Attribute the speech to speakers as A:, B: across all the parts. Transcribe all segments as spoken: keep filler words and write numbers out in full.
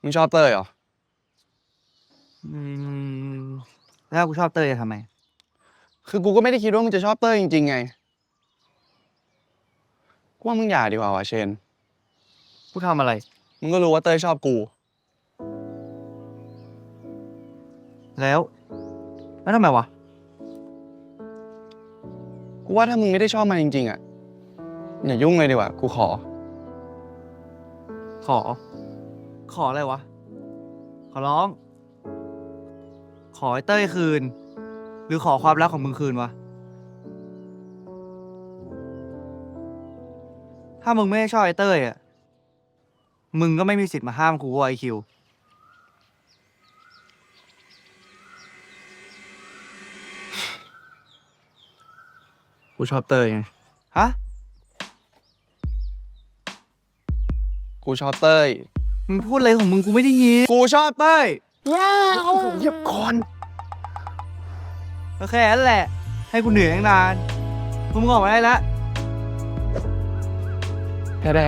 A: งชอบเต้ยเหรอ
B: อืมแล้วกูชอบเต้ยจะทำไม
A: คือกูก็ไม่ได้คิดว่ามึงจะชอบเต้ยจริงๆไงกูว่ามึงอย่าดีกว่าวะเชน
B: กูทำอะไร
A: มึงก็รู้ว่าเต้ยชอบกู
B: แล้วแล้วทำไมวะ
A: กูว่าถ้ามึงไม่ได้ชอบมันจริงๆอ่ะอย่ายุ่งเลยดีกว่ากูขอ
B: ขอ ขออะไรวะขอร้อง ขอไอ้เต้ยคืน หรือขอความรักของมึงคืนวะถ้ามึงไม่ได้ชอบไอ้เต้ยอ่ะมึงก็ไม่มีสิทธิ์มาห้ามกูว่าไอคิว
A: กูชอบเต้ยไง
B: ฮะ
A: กูชอบเต้ย
B: มึงพูดอะไรของมึงกูไม่ได้ยิน
A: กูชอบเต้ย
B: ว้าว
A: เยียบก่อน
B: ก็แค่นั้นแหละให้กูเหนื่อยตั้งนานมึงออกมาได้แล้ว
C: แท้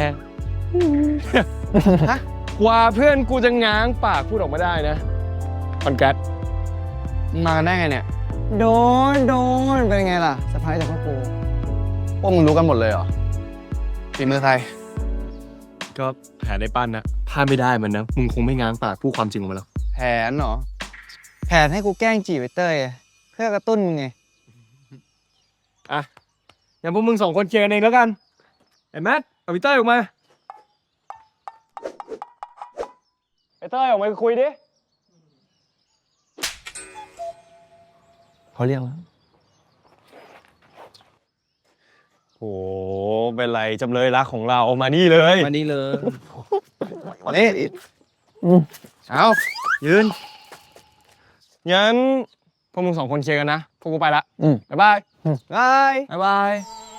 C: ฮะกว่าเพื่อนกูจะง้างปากพูดออกมาได้นะคอนแกรส
A: มากันได้ไงเนี่ยโดนโดนเป็นไงล่ะสะพายจากพ่อกูพวกมึงรู้กันหมดเลยเหรอฝีมือใคร
C: ก็แผนได้ปั้นนะพลาดไม่ได้มันนะมึงคงไม่ง้างปากพูดความจริงออกมาแล้ว
A: แผนเหรอแผนให้กูแกล้งจีบไอ้เต้ยเพื่อกระตุ้นมึงไง
C: อ่ะอย่างพวกมึงสองคนเคลียร์กันเองแล้วกันไอ้แมทเอาพี่เต้ยออกมาไอ้เต้ยออกมาคุยดิ
A: เขาเรียกแล้ว
C: โอ้เป็นไรจำเลยรักของเรามานี่เลย
B: มานี่เลย
A: นี่เอา
C: ยืนงั้นพวกมึงสองคนเคลียร์กันนะพวกกูไปละบ๊ายบาย
A: บาย
C: บ๊ายบาย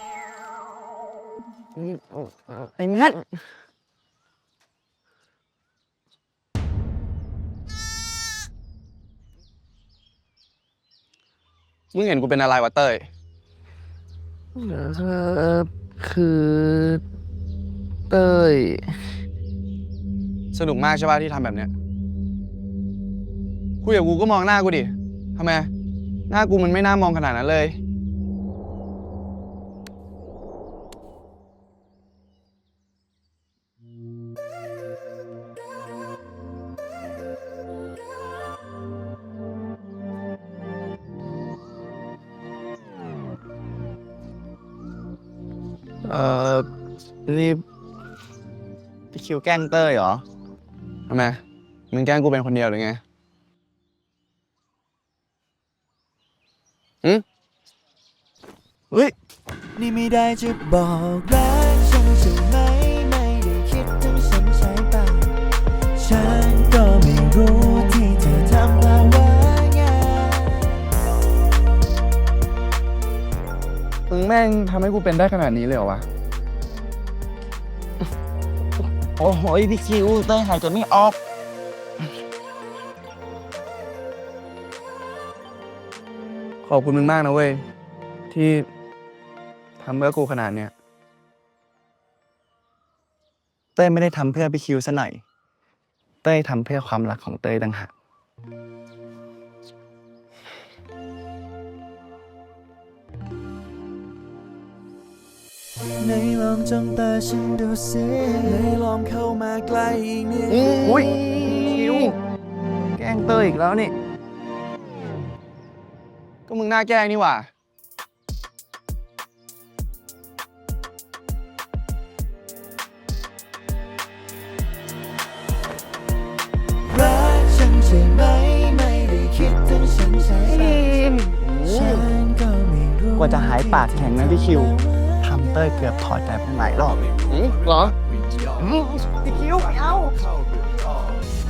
A: ไอ้งัดมึงเห็นกูเป็นอะไรวะเต้ย
B: เออคือเต้ย
A: สนุกมากใช่ป่ะที่ทำแบบเนี้ยคุยกับกูก็มองหน้ากูดิทำไมหน้ากูมันไม่น่ามองขนาดนั้นเลยเอ่อนี่พี่คิวแกล้งเต้ยเหรอทำไมมึงแกล้งกูเป็นคนเดียวหรือไงอืมเฮ้ย
D: นี่ไม่ได้จะบอกรักฉันใช่ไหมไม่ได้คิดถึงฉันใช่ป่ะฉันก็ไม่รู้ที่เธอทำมาว่าไง
A: มึงแม่งทำให้กูเป็นได้ขนาดนี้เลยเหรอวะ
B: โอ้โหพี่คิวเต้ยหายใจไม่ออก
A: ขอบคุณมึงมากนะเว้ยที่ทำเพื่อกูขนาดเนี้ยเต้ยไม่ได้ทำเพื่อพี่คิวซะหน่อยเต้ยทำเพื่อความรักของเต้ยต่างหาก
D: ในลองจ้องตาฉันดูสิในลองเข้ามาใกล้อีกนิด
A: อุ้ยคิวแกล้งเต้ยอีกแล้วนี่ก็มึงหน้าแกล้งนี่หว่า
D: รักฉันใช่ไหมไม่ได้คิดถึงฉันใช่ไหมฉันก็ไม่รู้
A: กว่าจะหายปากแข็งนะพี่คิวทำเต้ยเกือบถอดใจไปหลายรอบเลยเหรอ
B: พี่คิวไม่เอา